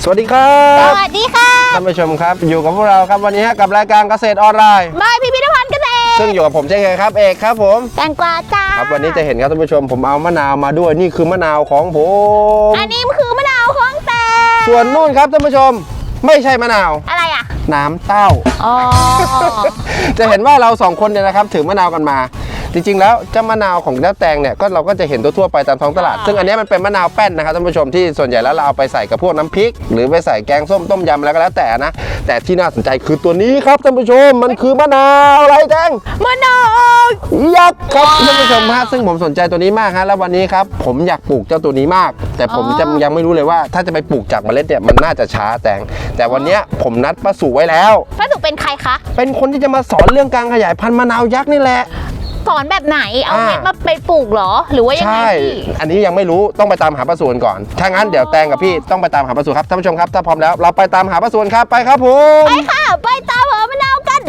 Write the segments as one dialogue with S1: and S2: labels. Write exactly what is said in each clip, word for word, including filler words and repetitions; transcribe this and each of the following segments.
S1: วัสดีครับ
S2: สวัสดีค่ะ
S1: ท่านผู้ชมครับอยู่กับพวกเราครับวันนี้กับรายการเกษตรออนไลน์
S2: บายพิพิธภัณฑ์เกษตร
S1: ซึ่งอยู่กับผมเช่นเคยครับเอกครับผม
S2: แตงกวาจ้า
S1: ครับวันนี้จะเห็นครับท่านผู้ชมผมเอามะนาวมาด้วยนี่คือมะนาวของผม
S2: อันนี้คือมะนาวของแตง
S1: ส่วนนู่นครับท่านผู้ชมไม่ใช่มะนาว
S2: อะไรอ่ะ
S1: น้ำเต้า
S2: อ๋อ
S1: จะเห็นว่าเราสองคนเนี่ยนะครับถือมะนาวกันมาจริงๆแล้วเจ้ามะนาวของเจ้าแตงเนี่ยก็เราก็จะเห็นทั่วๆไปตามท้องตลาดซึ่งอันนี้มันเป็นมะนาวแป้นนะครับท่านผู้ชมที่ส่วนใหญ่แล้วเราเอาไปใส่กับพวกน้ำพริกหรือไปใส่แกงส้มต้มยำแล้วก็แล้วแต่นะแต่ที่น่าสนใจคือตัวนี้ครับท่านผู้ชมมันคือมะนาวอะไรแตง
S2: มะนาว
S1: ยักษ์ครับท่านผู้ชมฮะซึ่งผมสนใจตัวนี้มากฮะแล้ววันนี้ครับผมอยากปลูกเจ้าตัวนี้มากแต่ผมจะยังไม่รู้เลยว่าถ้าจะไปปลูกจากเมล็ดเนี่ยมันน่าจะช้าแตงแต่วันนี้ผมนัดป้าสุไว้แล้ว
S2: ป้าสุเป็นใครคะ
S1: เป็นคนที่จะมาสอนเรื่องการขยายพันธุ์มะนาวยักษ์นี่แหละ
S2: สอนแบบไหนเอาเม็ดมาไปปลูกเหรอหรือว่ายังไง
S1: ใช่อันนี้ยังไม่รู้ต้องไปตามหาป้าสุก่อนถ้างั้นเดี๋ยวแตงกับพี่ต้องไปตามหาป้าสุครับท่านผู้ชมครับถ้าพร้อมแล้วเราไปตามหาป้าสุครับไปครับผม
S2: ไปค่ะไปตามหามะนาวกัน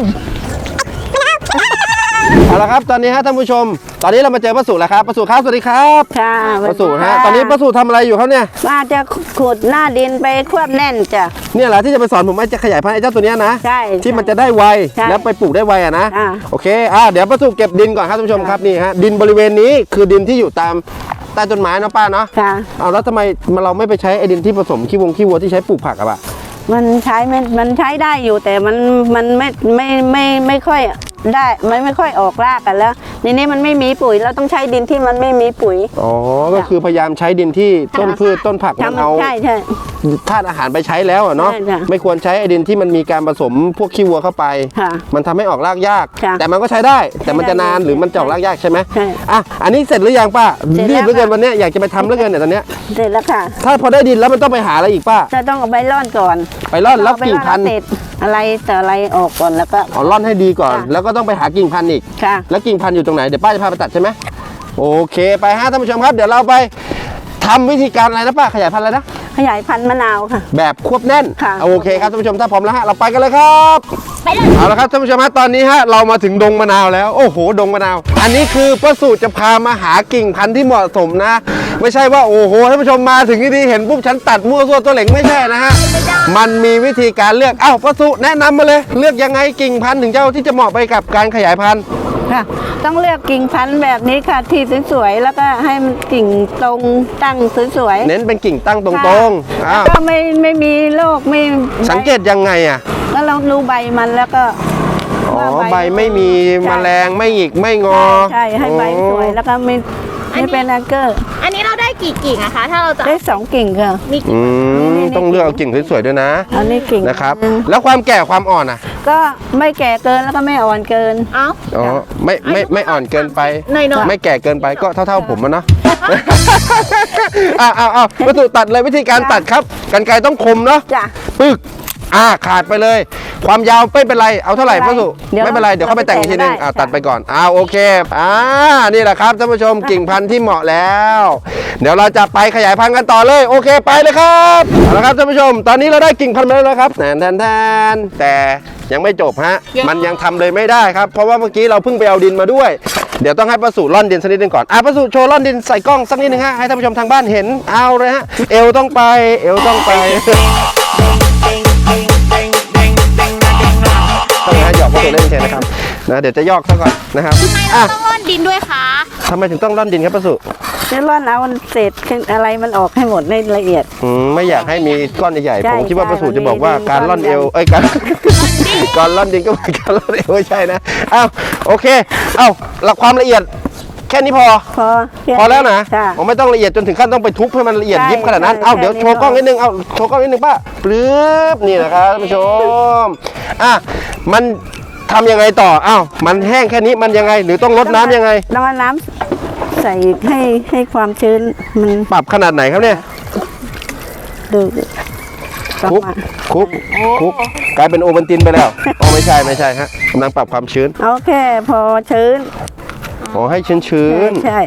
S1: เอาละครับตอนนี้ฮะท่านผู้ชมตอนนี้เรามาเจอป้าสุแล้วครับป้าสุครับสวัสดีครับ
S3: ค่ะ
S1: ป้าสุฮะตอนนี้ป้าสุทำอะไรอยู่ครับเนี่ย
S3: ว่าจะขุดหน้าดินไปควบแน่นจ้ะ
S1: เนี่ยแหละที่จะไปสอนผมว่าจะขยายพันธุ์ไอ้เจ้าตัวนี้นะ
S3: ใช่
S1: ที่มันจะได้ไวแล้วไปปลูกได้ไวอะนะโอเคอ่าเดี๋ยวป้าสุเก็บดินก่อนครับท่านผู้ชมครับนี่ฮะดินบริเวณนี้คือดินที่อยู่ตามใต้ต้นไม้นะป้าเนาะ
S3: ค่ะ
S1: เอาแล้วทำไมเราไม่ไปใช้ไอ้ดินที่ผสมขี้วงขี้วัวที่ใช้ปลูกผักอะป่ะ
S3: มันใช้ไม่มันใช้ได้อยู่แต่มันมันไม่ไม่ไม่ไม่ค่อยได้มันไม่ค่อยออกรากกันแล้วในนี้มันไม่มีปุ๋ยเราต้องใช้ดินที่มันไม่มีปุ๋ย
S1: อ๋อก็คือพยายามใช้ดินที่ต้นพืชต้นผักมันเอา
S3: ใช่ใช่
S1: ธาตุอาหารไปใช้แล้วเนาะไม่ควรใช้ไอ้ดินที่มันมีการผสมพวกขี้วัวเข้าไปมันทำให้ออกรากยากแต่มันก็ใช้ได้แต่มันจะนานหรือมันจะออกรากยากใช่ไหม
S3: ใช่
S1: อ่ะอันนี้เสร็จหรือยังป้ารีบเหลือเกินวันนี้อยากจะไปทำเหลือเกินเนี่ยตอนนี้
S3: เสร็จแล้วค่ะ
S1: ถ้าพอได้ดินแล้วมันต้องไปหาอะไรอีกป้า
S3: จะต้องเอาใบร่อนก่อน
S1: ไปร่อนแล้วกิ่งพันธุ์
S3: อะไรแต่อะไรออกก่อนแล้วก็
S1: อ๋อร่อนให้ดีก่อนแล้วก็ต้องไปหากิ่งพันธุ์อีก
S3: ค่ะ
S1: แล้วกิ่งพันธุ์อยู่ตรงไหนเดี๋ยวป้าจะพาไปตัดใช่ไหมโอเคไปฮะท่านผู้ชมครับเดี๋ยวเราไปทำวิธีการอะไรนะป้าขยายพันธุ์อะไรนะ
S3: ขยายพันธุ์มะนาวค่ะ
S1: แบบควบแน่น
S3: ค่ะ
S1: โอเคครับท่านผู้ชมถ้าพร้อมแล้วฮะเราไปกันเลยครับ
S2: ไปเลย
S1: เอาละครับท่านผู้ชมฮะตอนนี้ฮะเรามาถึงดงมะนาวแล้วโอ้โหดงมะนาวอันนี้คือป้าสูตรจะพามาหากิ่งพันธุ์ที่เหมาะสมนะไม่ใช่ว่าโอ้โหท่านผู้ชมมาถึงที่นี่เห็นปุ๊บฉันตัดมั่วซั่วตัวเหล็งไม่ใช่นะฮะมันมีวิธีการเลือกเอ้าป้าสูตรแนะนำมาเลยเลือกยังไงกิ่งพันธุ์ถึงเจ้าที่จะเหมาะไปกับการขยายพันธุ์
S3: ค่ะต้องเลือกกิ่งพันธุ์แบบนี้ค่ะที่สวยๆแล้วก็ให้มันกิ่งตรงตั้งสวย
S1: ๆเน้นเป็นกิ่งตั้งตรงๆ
S3: แล้วก็ไม่ไม่มีโรคไม่
S1: สังเกตยังไงอ่ะ
S3: แล้วเราดูใบมันแล้วก็
S1: อ๋อใบไม่มีแมลงไม่หงิกไม่งอ
S3: ใช่ให้ใบสวยแล้วก็ไม่ไม่เป็นอันเกอร์
S2: อันนี้เราได้กี่กิ่งอะคะถ้าเราจะ
S3: ได้สองกิ่งค่ะ
S1: อืมต้องเลือกเอากิ่งสวยๆด้วยนะ
S3: อันนี้กิ่ง
S1: นะครับแล้วความแก่ความอ่อนอ่ะ
S3: ก็ไม่แก่เกินแล้วก็ไม่อ่อนเกิน
S2: อ๋อ
S1: อ๋อไม่ไม่ไม่อ่อนเกินไปไม่แก่เกินไปก็เท่าๆผมนะเนาะอ้าวอ้าวอ้าววัตถุตัดเลยวิธีการตัดครับกรรไกรต้องคมเนาะ
S3: จ้ะ
S1: ปึ๊กอ่าขาดไปเลยความยาวไม่เป็นไรเอาเท่าไหร่พ่อสุไม่เป็นไรเดี๋ยวเขาไปแต่งอีกทีนึงอ่าตัดไปก่อนอ่าโอเคอ่านี่แหละครับท่านผู้ชมกิ่งพันธุ์ที่เหมาะแล้วเดี๋ยวเราจะไปขยายพันธุ์กันต่อเลยโอเคไปเลยครับเอาละครับท่านผู้ชมตอนนี้เราได้กิ่งพันธุ์มาแล้วครับแทนแทนแทนแต่ยังไม่จบฮะมันยังทำเลยไม่ได้ครับเพราะว่าเมื่อกี้เราเพิ่งไปเอาดินมาด้วยเดี๋ยวต้องให้ป้าสุร่อนดินสักนิดนึงก่อนอ่ะป้าสุโชว์ร่อนดินใส่กล้องสักนิดนึงฮะให้ท่านผู้ชมทางบ้านเห็นเอาเลยฮะเอวต้องไปเอวต้องไปต้องให้หยอกป้าสุเล่นเชนนะครับนะเดี๋ยวจะยอกซะก่อนนะครับ
S2: ทำไมเราต้องร่อนดินด้วยคะ
S1: ทำไมถึงต้องร่อนดินครับป้าสุ
S3: จะร่อนเอาเศษอะไรมันออกให้หมดในละเอียด
S1: อืมไม่อยากให้มีก้อนใหญ่ๆผมคิดว่าป้าสุจะบอกว่าการร่อนเอวเอ้ยการการร่อนดินก็เหมือนการร่อนเอวไม่ใช่นะอ้าวโอเคเอ้าหลักความละเอียดแค่นี้พอ
S3: พอ
S1: พอแล้วนะผมไม่ต้องละเอียดจนถึงขั้นต้องไปทุบให้มันละเอียดยิบขนาดนั้นเอ้าเดี๋ยวโชว์กล้องนิดนึงเอ้าโชว์กล้องนิดนึงป้าปลื้บนี่นะครับท่านผู้ชมอ่ะมันทำยังไงต่อเอ้ามันแห้งแค่นี้มันยังไงหรือต้องลดน้ำยังไง
S3: ต้องเอาน้ำใส่ให้ให้ความชื้นมัน
S1: ปรับขนาดไหนครับเนี่ย
S3: ดู
S1: คุกคุกคุกกลายเป็นโอวัลตินไปแล้วอ๋อไม่ใช่ไม่ใช่ฮะกำลังปรับความชื้น
S3: โอเคพอชื้น
S1: ขอให้ชื้นชื้น
S3: ใช่
S2: ใ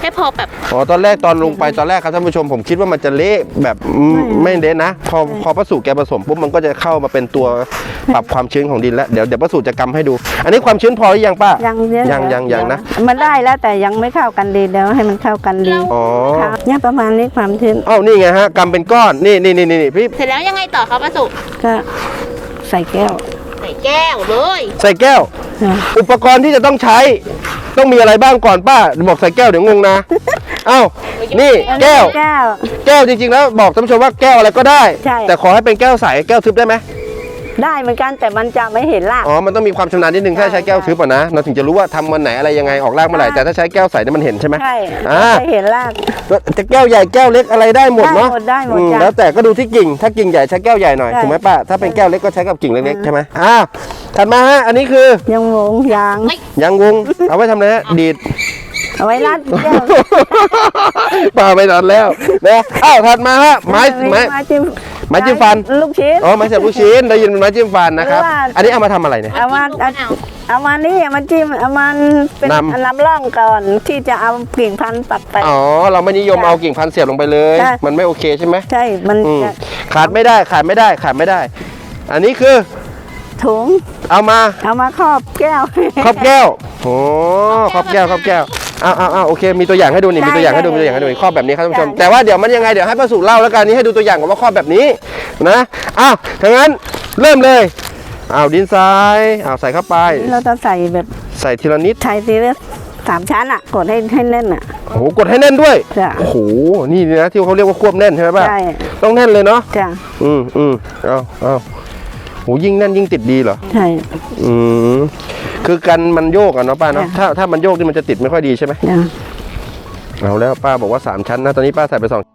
S2: ค่พอแบบ
S1: อ๋อตอนแรกตอนลงไปตอนแรกครับท่านผู้ชมผมคิดว่ามันจะเละแบบอืมไม่เละนะพอพอป้าสูแกผสมปุ๊บมันก็จะเข้ามาเป็นตัวปรับความชื้นของดินแล้วเดี๋ยวเดี๋ยวป้าสูจะกำให้ดู อันนี้ความชื้นพอหรือยังป้า
S3: ยังเยอะ
S1: ยังยังยังนะ
S3: มันได้แล้วแต่ยังไม่เข้ากันดีเดี๋ยวให้มันเข้ากันดี
S1: อ๋อ
S3: ค่ะเนี่ยประมาณนี้ความชื้น
S1: อ้าวนี่ไงฮะกำเป็นก้อนนี่นี่นี่นี่พี่
S2: เสร็จแล้วยังไงต่อคะป้าสุ
S3: ก็ใส่แก้ว
S2: ใส่แก้วเลย
S1: ใส่แก้ว
S3: ค่ะ
S1: อุปกรณ์ที่จะต้องใช้ต้องมีอะไรบ้างก่อนป้าบอกใส่แก้วเดี๋ยวงงนะอ้าวนี่แก้ว
S3: แก้ว
S1: แก้วจริงๆแล้วบอกท่านผู้ชมว่าแก้วอะไรก็ได้
S3: ใช่
S1: แต่ขอให้เป็นแก้วใสแก้วทึบได้ไหม
S3: ได้เหมือนกันแต่มันจะไม่เห็นราก
S1: อ๋อมันต้องมีความชำนาญนิดนึงถ้าใช้แก้วทึบอ่ะนะเราถึงจะรู้ว่าทำวันไหนอะไรยังไงออกรากเมื่อไหร่แต่ถ้าใช้แก้วใสเนี่ยมันเห็นใช่ไหม
S3: ใช่
S1: อ่า
S3: ไม่เห็นราก
S1: จะแก้วใหญ่แก้วเล็กอะไรได้หมดเนาะ
S3: ได้หมดได้หมด
S1: อื
S3: จ้ะ
S1: แล้วแต่ก็ดูที่กิ่งถ้ากิ่งใหญ่ใช้แก้วใหญ่หน่อย
S3: ใช่
S1: ถูกไหมป้าถ้าเป็นแก้วเล็กก็ใช้กับกิ่งเล็กๆใช่ไหมอ้าวถัดมาฮะอันนี้คือ
S3: ยังงงยาง
S1: ยางวงเอาไว้ทำอะไรฮะดีด
S3: เอาไว้รัดแก้ว
S1: ป้าไปนอนแล้วนะอ้าวถัดมาฮะไม้ไม้
S3: ไม้จิ้ม
S1: ไม้จิ้มฟัน
S3: ลูกชิ้น
S1: อ๋อไม้เสียบลูกชิ้นได้ยินเป็นไม้จิ้มฟันนะครับ
S3: หรือว่า
S1: อันนี้เอามาทำอะไรเนี่ย
S3: เอามาเอาเอามานี่เอามาจิ้มเอามันเป็น
S1: นำ
S3: ลำร่องก่อนที่จะเอากิ่งพันธุ์ปักไป
S1: อ๋อเราไม่นิยมเอากิ่งพันธุ์เสียบลงไปเลย
S3: ใช่
S1: มันไม่โอเคใช่ไหม
S3: ใช่มัน
S1: อืม
S3: จะ
S1: ขาดไม่ได้ขาดไม่ได้ขาดไม่ได้ อันนี้คือ
S3: ถุง
S1: เอามา
S3: เอามาครอบแก้ว
S1: ครอบแก้วโอ้ครอบแก้วครอบแก้วอ้าวอ้าวอ้าวโอเคมีตัวอย่างให้ดูนี่มีตัวอย่างให้ดูมีตัวอย่างให้ดูนี่ครอบแบบนี้ครับท่านผู้ชมแต่ว่าเดี๋ยวมันยังไงเดี๋ยวให้ป้าสุเล่าแล้วกันนี่ให้ดูตัวอย่างก่อนว่าครอบแบบนี้นะอ้าวถ้างั้นเริ่มเลยอ้าวดินทรายอ้าวใส่เข้าไป
S3: เราจะใส่แบบ
S1: ใส่ทีละนิด
S3: ไทยซีเรียสสามชั้นอ่ะกดให้ให้แน่นอ่ะ
S1: โอ้โหกดให้แน่นด้วย
S3: จ้ะ
S1: โอ้โหนี่นะที่เขาเรียกว่าควบแน่นใช่ไหมป้า
S3: ใช่
S1: ต้องแน่นเลยเนาะ
S3: จ้ะ
S1: อืมอืมเอาเอาโหยิ่งแน่นยิ่งติดดีเหรอ
S3: ใช่
S1: อืมคือกันมันโยกอะเนาะป้าเนาะ
S3: ค่ะ
S1: ถ้าถ้ามันโยกนี่มันจะติดไม่ค่อยดีใช่ไหม
S3: จ้ะ
S1: เอาแล้วป้าบอกว่าสามชั้นนะตอนนี้ป้าใส่ไปสอง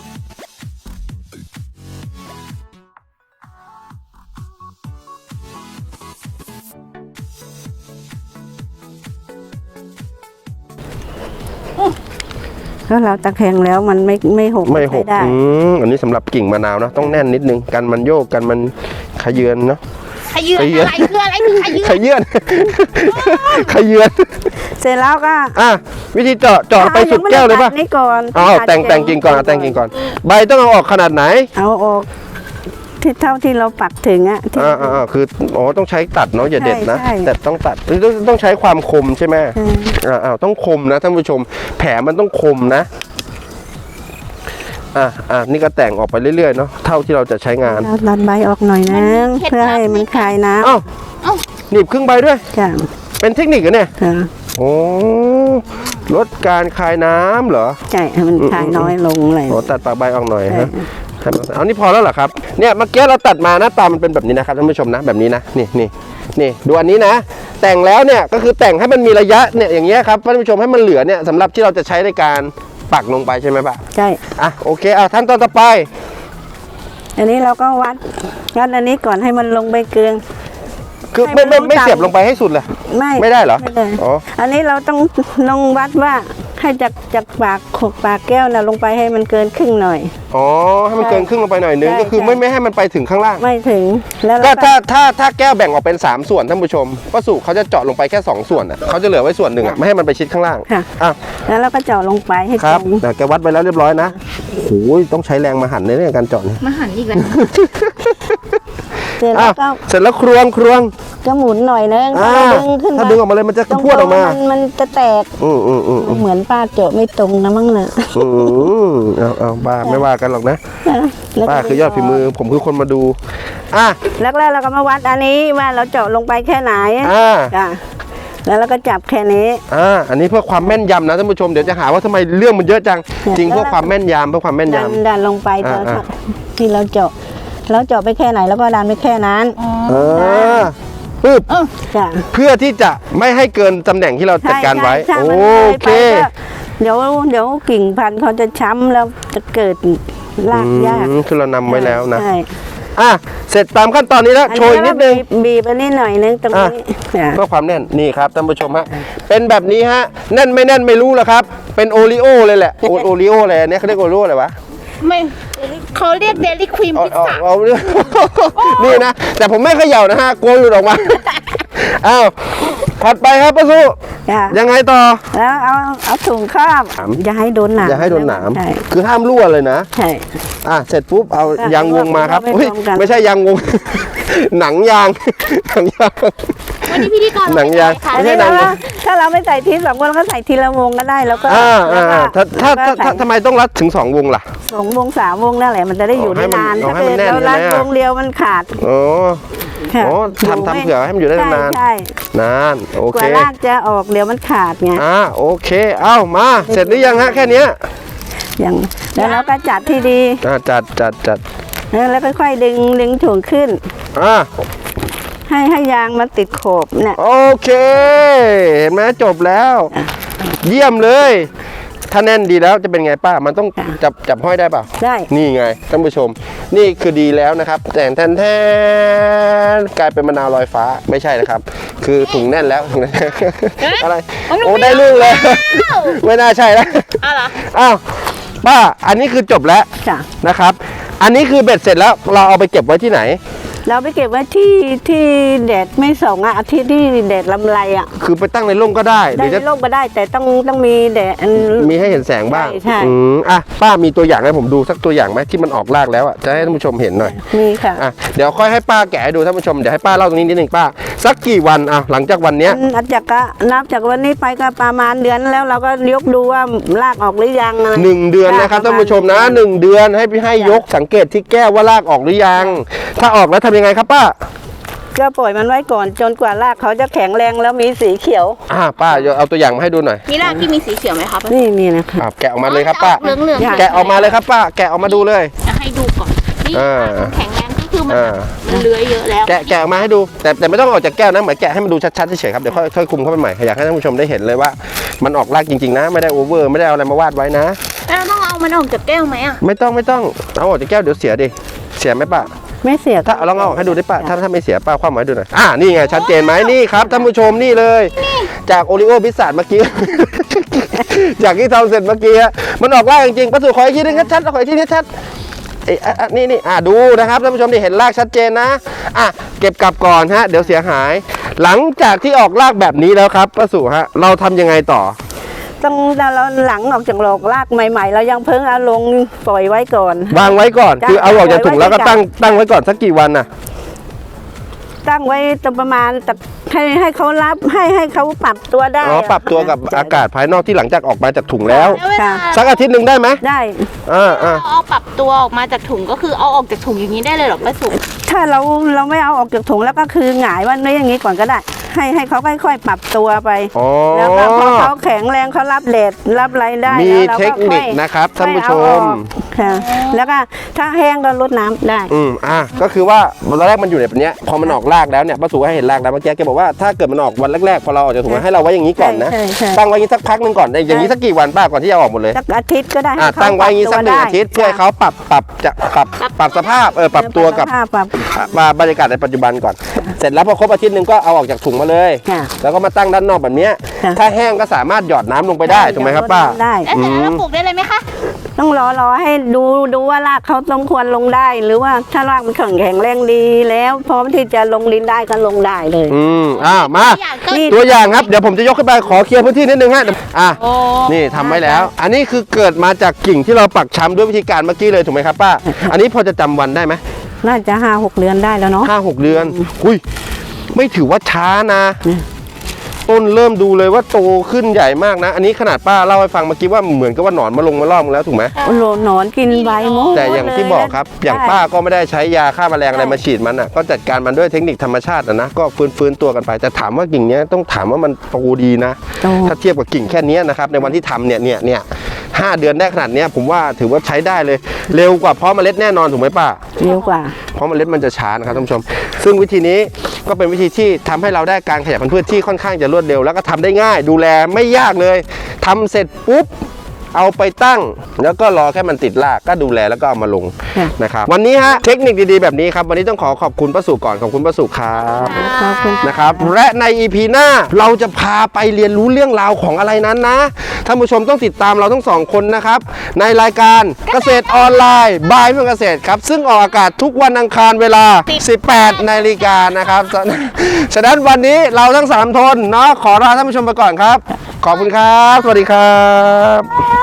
S3: ถ้าเราตะแคงแล้วมันไม่ไม่หก
S1: ไม่หก
S3: ได้
S1: อืมอันนี้สำหรับกิ่งมะนาวนะต้องแน่นนิดนึงกันมันโยกกันมันขยือนเนาะ
S2: ขยืน
S1: ขยืน
S2: อะไรคืออะไรคือขยืน
S1: ขยือน ขยือน
S3: เสร็จแล้วก็
S1: อ่ะวิธีเจาะเจาะไปสุดแก้วเลยป่ะ
S3: นี่ก่อน
S1: อ๋อแต่งแต่งกิ่งก่อนเอาแต่งกิ่งก่อน ใบต้องเอาออกขนาดไหน
S3: เอาออกที่เท่าที่เราปักถึงอ่ะที่
S1: อ่าอ่าอ่าคืออ๋อต้องใช้ตัดเนาะอย่าเด็ดนะ
S3: ใช่
S1: แต่ต้องตัดต้องต้องใช้ความคมใช่ไหม
S3: อืม
S1: อ่าอ่าต้องคมนะท่านผู้ชม แผลมันต้องคมนะอ่าอ่านี่ก็แต่งออกไปเรื่อยๆเนาะเท่าที่เราจะใช้งาน
S3: เราดันใบออกหน่อยนึงเพื่อให้มันคลายน้
S1: อ้าวหนีบครึ่งใบด้วย
S3: ำจ้ะ
S1: เป็นเทคนิคเหรอเนี่ย
S3: ค่ะ
S1: โอ้ลดการคายน้ำเหรอ
S3: ใช่ให้มันคลายน้อยลงเลย
S1: โอ้ตัดปากใบออกหน่อย
S3: ใช่
S1: ฮะให้มันเอานี่พอแล้วเหรอครับเนี่ยเมื่อกี้เราตัดมาหน้าตามันเป็นแบบนี้นะครับท่านผู้ชมนะแบบนี้นะนี่นี่นี่ดูอันนี้นะ แต่งแล้วเนี่ยก็คือแต่งให้มันมีระยะเนี่ยอย่างเงี้ยครับท่านผู้ชมให้มันเหลือเนี่ยสำหรับที่เราจะใช้ในการปักลงไปใช่ไหมป้า
S3: ใช่
S1: อ่ะโอเคอ่ะขั้นตอนต่อไป
S3: อันนี้เราก็วัดวัดอันนี้ก่อนให้มันลงใบเกลือง
S1: คือ
S3: ให้
S1: ไม่
S3: มัน
S1: ไม่ไม่
S3: ต่ำ
S1: เสียบลงไปให้สุดเลย
S3: ไม่
S1: ไม่ได้เหรอ
S3: ไม่ได้
S1: อ๋อ
S3: อันนี้เราต้องลงวัดว่าให้จากจากปากขกปากแก้วน่ะลงไปให้มันเกินครึ่งหน่อย
S1: อ๋อให้มันเกินครึ่งลงไปหน่อยนึง
S3: ใช่
S1: ก็คือ
S3: ใช่
S1: ไม่ไม่ให้มันไปถึงข้างล่าง
S3: ไม่ถึงแล้ว
S1: ก็
S3: เราก็
S1: ถ้าถ้าถ้าแก้วแบ่งออกเป็นสามส่วนท่านผู้ชมป้าสุเขาจะเจาะลงไปแค่สองส่วนอ่ะเขาจะเหลือไว้ส่วนหนึ่งอ่ะไม่ให้มันไปชิดข้างล่าง
S3: ค่ะ
S1: อ่ะ
S3: แล้วเราก็เจาะลงไปให้
S1: ค
S3: ต
S1: รั
S3: ร
S1: บ
S3: ง
S1: แต่แกวัดไปแล้วเรียบร้อยนะโอ้ยต้องใช้แรงมาหั่นในเรื่องการเจาะนี่
S2: มาหันอีกแล้ว
S3: เสร็จ
S1: อ่ะ
S3: แล้วก็
S1: เสร็จแล้วครวงครวง
S3: ก็หมุนหน่อยนึง
S1: อ่า
S3: ถ้าดึงขึ้น
S1: ถ้าดึงออกมาเลยมันจะ
S3: ตรง
S1: พรวดออกมา
S3: นมันจะแตก
S1: อืมอืมอืมอืม
S3: เหมือนป้าเจาะไม่ตรงนะมั้งเนี่ย
S1: อืมเอาเอาป้าไม่ว่ากันหรอกนะ
S3: แล้วก็
S1: ป้าคือยอดฝีมือผมคือคนมาดูอ่ะ
S3: แล้วแล้วเราก็มาวัดอันนี้ว่าเราเจาะลงไปแค่ไหน
S1: อ่า
S3: จ้ะแล้วเราก็จับแค่นี้
S1: อ่าอันนี้เพื่อความแม่นยำนะท่านผู้ชมเดี๋ยวจะหาว่าทำไมเรื่องมันเยอะจัง
S3: เนี่ย
S1: จริงเพื่อความแม่นยำเพื่อความแม่น
S3: ดัน
S1: ยำ
S3: ดันลงไป
S1: อ่า
S3: ตอน
S1: อ่า
S3: ที่เราเจาะเราเจาะไปแค่ไหนแล้วก็ดันไปแค่นั้น
S1: เออปึ๊บ
S3: จ้ะ
S1: เพื่อที่จะไม่ให้เกินตำแหน่งที่เราจัดการไว้
S3: ใช่
S1: โอ
S3: ใช่มันลย
S1: เค
S3: ไปก็เดี๋ยวเดี๋ยวกิ่งพันธุ์เขาจะช้ำแล้วจะเกิดรากยาก
S1: อืมคือเรานำไว้แล้วนะ
S3: ใช่
S1: อ่ะเสร็จตามขั้นตอนนี้แล้ว
S3: อั
S1: โชยนิดนึง
S3: บีบบีบอันนี้หน่อยนึงตรงนี้จ้ะ
S1: เพื่อความแน่นนี่ครับท่านผู้ชมฮะเป็นแบบนี้ฮะแน่นไม่แน่นไม่รู้แล้วครับเป็นโอริโอเลยแหละโอโอริโออะไรอันเนี้ยเขาเรียกโอริโออะไรวะ
S2: ไม่เขาเรียกเดลี่ครีม
S1: เอา
S2: พิซ
S1: เอา
S2: ซ่า
S1: เอา นี่นะแต่ผมไม่เขย่านะฮะกลัวหลุดออกมาอ้าวถัดไปครับป้าสุ
S3: จ้ะ
S1: ยังไงต่อ
S3: แล้วเอาเอาถุงครอบ
S1: หนาม
S3: อย่าให้โดนหนาม
S1: อย่าให้โดนหนาม
S3: ใช่
S1: คือห้ามรั่วเลยนะ
S3: ใช่
S1: อ่ะเสร็จปุ๊บเอายางวงมาครับ
S3: ไม่
S1: อุ๊ย
S3: ตรงกัน
S1: ไม่ใช่ยางวง หนังยาง หนังยาง
S2: วันนี้พิธีกร
S1: หนังยาง
S2: ค่ะ
S1: ไม่
S3: อัน
S1: ใช่
S3: นี้
S1: หนัง
S3: ถ้าถ้าเราไม่ใส่ทีสองวงก็ใส่ทีละวงก็ได้แล้วก็
S1: อ่า
S3: แล้ว
S1: อ่า
S3: ก็
S1: ถ้าถ้า
S3: แล้วก็
S1: ถ้าถ้า
S3: ใส่
S1: ทำไมต้องรัดถึงสองวงล่ะ
S3: สองวงสามวงนั่นแหละมันจะได้อยู่
S1: อ๋อให้
S3: ได้
S1: มัน
S3: นาน
S1: อ๋อ
S3: ถ้า
S1: ให้มัน
S3: เกิด
S1: แน่น
S3: เรารัด
S1: ใช่ไหม
S3: วงเดียวมันขาด
S1: โอ้
S3: ค่ะ
S1: โอ้ทำทำเผื่อให้มันอยู่ได้
S3: ใช่
S1: นาน
S3: ใช่
S1: นานโอก เค
S3: ว่ารากจะออกเดี๋ยวมันขาดไง
S1: อ่าโอเค เอ้ามาเสร็จหรือยังฮะแค่เนี้ย
S3: อย่างแล้วเราก็จัดที่ดี
S1: อ่าจัดจัดจัด
S3: แล้วค่อยๆดึงดึงถุงขึ้น
S1: อ่า
S3: ให้ให้ยางมันติดโขบเนี่ย
S1: โอเคเห็นไหมจบแล้ว เยี่ยมเลย ถ้าแน่นดีแล้วจะเป็นไงป้ามันต้อง
S3: ค่ะ
S1: จับจับห้อยได้เปล่า
S3: ได้
S1: นี่ไงท่านผู้ชม นี่คือดีแล้วนะครับแต่แทนแทนกลายเป็นมะนาวลอยฟ้าไม่ใช่นะครับ คือถุงแน่นแล้วถุงแน่นอะไรโอ้ได้ลูกเลย ไม่น่าใช่แล้ว
S2: อ้าวเหรอ
S1: อ้าวป้าอันนี้คือจบแล้ว
S3: จ้ะ
S1: นะครับ อันนี้คือเบ็ดเสร็จแล้วเราเอาไปเก็บไว้ที่ไหน
S3: เราไปเก็บไว้ที่ที่แดดไม่ส่องอ่ะอาทิตย์ที่แดดลำไรอ่ะ
S1: คือไปตั้งในร่มก็ได้ห
S3: ได้
S1: รือจะ
S3: ร่มก็ได้แต่ต้องต้องมีแดด
S1: มีให้เห็นแสงบ้าง
S3: ใช่ใช่
S1: อืมอ่ะป้ามีตัวอย่างให้ผมดูสักตัวอย่างไหมที่มันออกรากแล้วอ่ะจะให้ท่านผู้ชมเห็นหน่อย
S3: มีค่ะ
S1: อ่ะเดี๋ยวค่อยให้ป้าแกะให้ดูท่านผู้ชมเดี๋ยวให้ป้าเล่าตรงนี้นิดหนึ่งป้าสักกี่วันอ่ะหลังจากวันเนี้ย
S3: อันจากก็นับจากวันนี้ไปก็ประมาณเดือนแล้วเราก็ยกดูว่ารากออกหรือยังอะไร
S1: หนึ่งเดือนนะครับ
S3: ป
S1: ท่าน
S3: ระ
S1: ผู้ชมนะหนึ่งเดือนให้พี่ให้ยกสังเกตที่แก้วว่ารากออกหรือยัง ถ้าออกแล้วทำยังไงครับป้า
S3: ก็ปล่อยมันไว้ก่อนจนกว่ารากเขาจะแข็งแรงแล้วมีสีเขียว
S1: อ่าป้าเอาตัวอย่างมาให้ดูหน่อย
S2: มีรากที่มีสีเขียวไหมคะ
S3: นี่มีนะคะ
S1: อ่ะแกะออกมาเลยครับป้า
S2: เหลืองเหลือง
S3: อยาก
S1: แกะออกมาเลยครับป้า แกะออกมาดูเลย
S2: จะให้ดูก่อนนี่
S1: อ่า
S2: มันแข็งแรงก็คือมัน
S1: อ่า
S2: มันเลื้อยเยอะแล้ว
S1: แกะแกะออกมาให้ดู แต่แต่ไม่ต้องออกจากแก้วนะเหมือนแกะให้มันดูชัดๆเฉยๆครับเดี๋ยวค่อยค่อยคุมเข้าไปใหม่อยากให้ท่านผู้ชมได้เห็นเลยว่า มันออกรากจริงๆนะ ไม่ได้โอเวอร์ไม่ได้เอาอะไรมาวาดไว้นะ
S2: แล้วต้องเอามันออกจากแก้วไหมอ่ะ
S1: ไม่ต้องไม่ต้องเอาออกจากแก้วเดี๋ยวเสียดิเสียไหมป้า
S3: ไม่เสีย
S1: ถ้าเอาลองเอาออกให้ดูได้ป้าถ้าถ้าไม่เสียป้าคว่ำไว้ดูหน่อยอ่านี่ไงชัดเจนไหมนี่ครับท่านผู้ชมนี่เลย จากโอริโอพิซซ่าเมื่อกี้ จากที่ทำเสร็จเมื่อกี้ฮะมันออกรากจริงๆประสูขออีกทีนึงชัดๆขออีกทีนึงชัดเอ้ยอ่ะอ่ะนี่นี่อ่ะดูนะครับท่านผู้ชมนี่เห็นรากชัดเจนนะอ่ะเก็บกลับก่อนฮะเดี๋ยวเสียหาย หลังจากที่ออกรากแบบนี้แล้วครับประสูฮะเราทำยังไงต่อ
S3: ต้องเราหลังออกจากโลกรากใหม่ ๆ เรายังเพิ่งเอาลงปล่อยไว้ก่อน
S1: วางไว้ก่อน
S3: จ้ะ
S1: คือเอาออกจากถุงแล้วก็
S3: ไว้ไว้
S1: ตั้งตั้งไว้ก่อนสักกี่วันน่ะ
S3: ตั้งไว้ตรงประมาณแต่ให้ให้เขารับให้ให้เขาปรับตัวได้
S1: อ๋อปรับตัวกับอากาศภายนอกที่หลังจากออกมาจากถุงแล้ว
S2: แล้วเวลา
S1: สักอาทิตย์หนึ่งได้ไหม
S3: ได้
S1: อ่าอ่า
S2: เอาปรับตัวออกมาจากถุงก็คือเอาออกจากถุงอย่างนี้ได้เลยเหรอป้าสุ
S3: ถ้าเราเราไม่เอาออกจากถุงแล้วก็คือหงายไว้อย่างนี้ก่อนก็ได้ ให้ให้เขาค่อยๆ ปรับตัวไป
S1: อ๋อ
S3: แล้วก็พอเขาแข็งแรงเขารับแดดรับอะไรได้
S1: มี
S3: แล้วรา
S1: เท
S3: ก็
S1: คนิค
S3: อย
S1: นะครับท่านผู้ช
S3: ค่อยเอา
S1: ม
S3: ออกค่ะแล้วก็ถ้าแห้งก็ลดน้ำได้
S1: อืมอ่ะก็คือว่าตอนแรกมันอยู่ในแบบเนี้ยพอมันออกรากแล้วเนี่ยป้าสูให้เห็นรากแล้วเมื่อกี้แกบอกว่าถ้าเกิดมันออกวันแรกๆพอเราออกจากถุงให้เราไว้อย่างนี้ก่อนนะ
S3: ใช่ใช่
S1: ตั้งไว้อย่างนี้สักพักหนึ่งก่อนอย่างนี้สักกี่วันป้าก่อนที่จะออกหมดเลย
S3: สักอาทิตย์ก็ได้
S1: อ่ะ
S3: ให้เขา
S1: ตั้งไว้อย่างนี้สักหนึ่งอาทิตย์เพื่อให้เขาปรับปรับจะปรับปรับสภาพเออปรับตัวกับ
S3: ปรับสภาพปรับ
S1: มาบรรยากาศในปัจจุบันก่อน เสร็จแล้วพอครบอาทิตย์หนึ่งก็เอาออกจากถุงมาเลย
S3: ค่ะ
S1: แล้วก็มาตั้งด้านนอกแบบเนี้ย
S3: ค่ะ
S1: ถ้าแห้งก็สามารถหยอดน้ำลงไปได้ถูกไหมครับป้า
S3: ได้
S2: แล้วเสร็จแล้วเราปลูกได้เลยไหมคะ
S3: ต้องรอรอให้ดูดูว่ารากเขาสมควรลงได้ หรือว่าถ้ารากมันแข็งแข็งแรงดีแล้วพร้อมที่จะลงดินได้ก็ลงได้เลย
S1: อืมอ่ามา
S2: อยากก็
S3: นี่
S1: ตัวอย่างครับเดี๋ยวผมจะยกขึ้นไปขอเคลียร์พื้นที่นิดนึงฮะอ่ะ
S2: โอ้
S1: นี่ทำไว้แล้ว อันนี้คือเกิดมาจากกิ่งที่เราปักช้ำด้วยวิธีการเมื่อกี้เลยถูกไหมครับป้า อันนี้พอจะจำวันได้ไหม
S3: น่าจะห้าหกเดือนได้แล้วเนาะ
S1: ห้าหกเดือนอุ้ยไม่ถือว่าช้านะ ต้นเริ่มดูเลยว่าโตขึ้นใหญ่มากนะ อันนี้ขนาดป้าเล่าให้ฟังเมื่อกี้ว่าเหมือนกับว่าหนอนมาลงมาล่อมแล้วถูกไหม
S3: โอ้โหหนอนกินใบหมด
S1: แต่อย่างที่บอกครับ อย่าง
S3: ใช่
S1: ป้าก็ไม่ได้ใช้ยาฆ่าแมลงอะไรมาฉีดมันอ่ะ ก็จัดการมันด้วยเทคนิคธรรมชาติอะนะ ก็ฟื้นฟื้นตัวกันไป แต่ถามว่ากิ่งเนี้ยต้องถามว่ามันโตดีนะ
S3: โต
S1: ถ้าเทียบกับกิ่งแค่เนี้ยนะครับ ในวันที่ทำเนี่ยเนี่ยเนี่ยห้าเดือนได้ขนาดเนี้ยผมว่าถือว่าใช้ได้เลย เร็วกว่าเพาะเมล็ดแน่นอนถูกไหมป้า
S3: เร็วกว่า
S1: เพราะเมล็ดมันจะช้านะครับท่านผู้ชม ซึ่งวิธีนี้ก็เป็นวิธีที่ทำให้เราได้การขยายพันธุ์พืชที่ค่อนข้างจะรวดเร็วแล้วก็ทำได้ง่าย ดูแลไม่ยากเลยทำเสร็จปุ๊บเอาไปตั้งแล้วก็รอแค่มันติดรากก็ดูแลแล้วก็เอามาลง
S3: ค่ะ
S1: นะครับวันนี้ฮะเทคนิคดีๆแบบนี้ครับวันนี้ต้องขอขอบคุณป้าสุก่อนขอบคุณป้าสุครับ
S3: ขอบคุณ
S1: นะครับและใน อี พี หน้าเราจะพาไปเรียนรู้เรื่องราวของอะไรนั้นนะท่านผู้ชมต้องติดตามเราทั้งสองคนนะครับในรายการเกษตรออนไลน์บายเมืองเกษตรครับซึ่งออกอากาศทุกวันอังคารเวลา สิบแปดนาฬิกานะครับฉะนั้นวันนี้เราทั้งสามทนเนาะขอลาท่านผู้ชมไปก่อนครับขอบคุณครับสวัสดีครับ